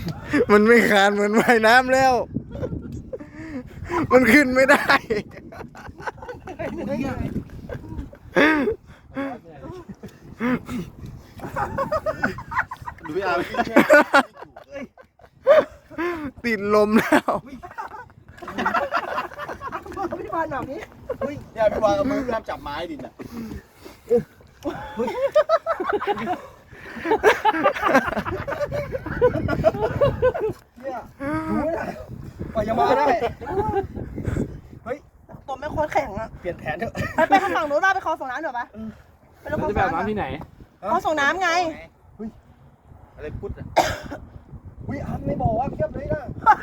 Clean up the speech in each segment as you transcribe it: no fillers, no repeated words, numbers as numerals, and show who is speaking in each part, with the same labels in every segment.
Speaker 1: มันไม่คานเหมือนว่ายน้ำแล้ว มันขึ้นไม่ได้
Speaker 2: ดูพี่อาร์
Speaker 1: ติดลมแล้ว
Speaker 3: พี่บอลแบบนี้
Speaker 2: เนี่ยพี่วางเอามือพี่อาร์จับไม้ดินอ่ะเนี่ยดูไม่ได้กว่าจะมาได้เฮ้ย
Speaker 3: ตัวไม่โคตรแข็งอะ
Speaker 2: เปลี่ยนแผนเถอะ
Speaker 3: ไปทางฝั่งนู้นป่ะไปคลองส่งน้ำเดี๋ยวปะไปลงคลอง
Speaker 4: จะ
Speaker 3: ส่
Speaker 4: แบบ
Speaker 3: งน้ำ
Speaker 4: น้ำที่ไหน
Speaker 3: คลองส่งน้ำไง
Speaker 2: อะไรพุทธอ่ะวิอาร์ไม่บอกว่าเพียบเลยนะ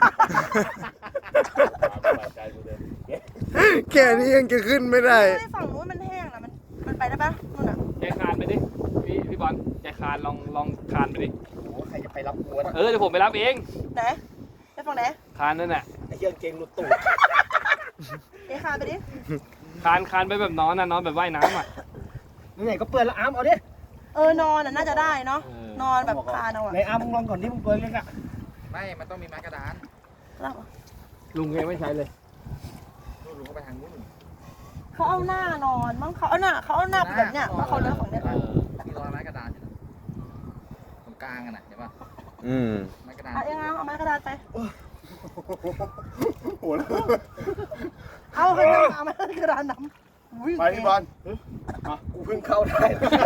Speaker 1: แค่นี้ยังจะขึ้นไม่ได้
Speaker 3: ฝั่งนู้นมันแห้งนะมันไปได้ปะนู่นอะ
Speaker 4: ใจคานไปดิพี่บอลใจคานลองคานไปดิ
Speaker 2: โอ้ใครจะไปรับกูนะ
Speaker 4: เดี๋ยวผมไปรับเอง
Speaker 3: ไหนไปฝั่งไหน
Speaker 4: คานนั่นแหละ
Speaker 2: ไอ้เหี้ยเกงหลุดตูด
Speaker 3: เอคานไปดิ
Speaker 4: คานไปแบบนอนนะนอนแบบว่ายน้ำอ่ะ
Speaker 2: ไหนก็เปิดแล้วอาร์มเอาดิ
Speaker 3: นอนน่ะน่าจะได้เนาะ นอนแบบคานเอาอะ
Speaker 2: ในอาร์มมึงลองก่อนที่มึงเปิดเลยอ่ะ
Speaker 5: ไม่ มันต้องมีไม้กระดาน
Speaker 3: แล้ว
Speaker 4: ลุงแกไม่ใช้เลย
Speaker 5: นู่นลุงก็ไปทางนู้น
Speaker 3: เขาเอาหน้านอนมั้งเขาเอาหน้าแบบเนี้ยเพราะเขาเลือกของเนี้ย
Speaker 5: ที่รอยไม้กระดานอยู่นะตรงกลางกันนะเห็นป่ะ
Speaker 1: อืม
Speaker 5: ไม้กระดาน
Speaker 3: เอาเองเอาไม้กระดาษไป
Speaker 2: โหแล้ว
Speaker 3: เอาไม้กระดานน้ำ
Speaker 2: ไปพี่บอลกูเพิ่งเข้าได้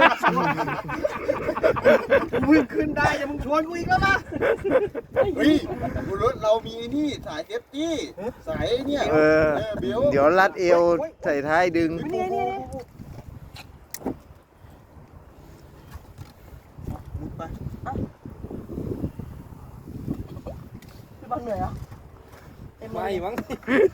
Speaker 2: กูเพิ่งขึ้นได้จะมึงชวนกูอีกแล้วนะเฮ้ยบุรุษเรามีนี่สายเซฟตี้สายเนี่ย
Speaker 1: เออ
Speaker 2: เบล
Speaker 1: เดี๋ยวรัดเอวใส่ท้ายดึง
Speaker 3: นี่
Speaker 2: ไป
Speaker 3: พี่บอลเหนื่อยเหรอ
Speaker 4: ไม่มั้ง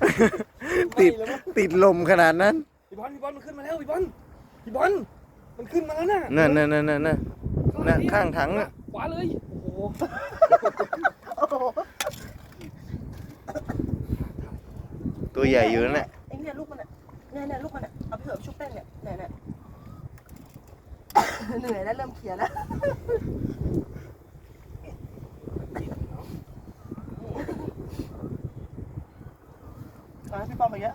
Speaker 1: ติดลมขนาดนั้น
Speaker 4: พี่บอลมันขึ้นมาแล้วพี่บอลมันขึ้นมาแล้วน่ะ
Speaker 1: นั่นข้างถังน่ะ
Speaker 4: ขวาเลยโอ้โห
Speaker 3: โอ้โห
Speaker 1: ตัวใหญ่อยู่นั่นแหละ
Speaker 3: ไอ้เนี่ยลูกมันเนี่ยลูกมันเนี่ยเอาไปเถอะชุบแป้งเนี่ยเหนื่อยแล้วเริ่มเขียแล้วพี่ปอมไปเยอะ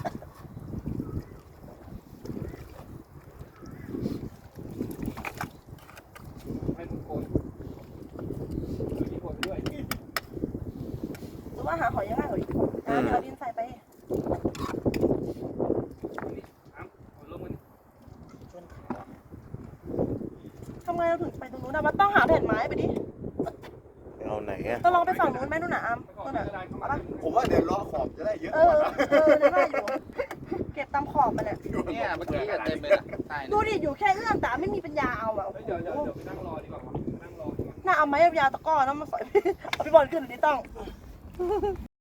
Speaker 4: ให้มึงโกนมีโกนด้วย
Speaker 3: หรือว่าหาหอยยังไงเหรอเดี๋ยวเอาดินใส่ไป
Speaker 4: ลงมัน
Speaker 3: ทำไงเราถึงไปตรงนู้นนะมันต้องหาแผ่นไม้ไปดิ
Speaker 1: เอาไหนอะ
Speaker 3: ต้องลองไปฝั่งนู้นไหมนู่นน่ะอามนู่นน่ะเอาปะ
Speaker 2: ผมว่าเดี๋ยวเลาะขอบจะได้เยอะ
Speaker 3: เออได้อยู่เก็บตามขอบมันเนี่ย
Speaker 5: เนี่ยเมื่อกี้เต็มเลยนะใช่
Speaker 3: ดูดิอยู่แค่เอื้อมแต่ไม่มีปัญญาเอาอ่ะ
Speaker 4: เดี๋ยวไปนั่งรอดีกว่านั่งรอ
Speaker 3: น่าเอาไม้ยาวๆตะก้อแล้วมาสอยพี่เอาพี่บอลขึ้นหรือนี่ต้อง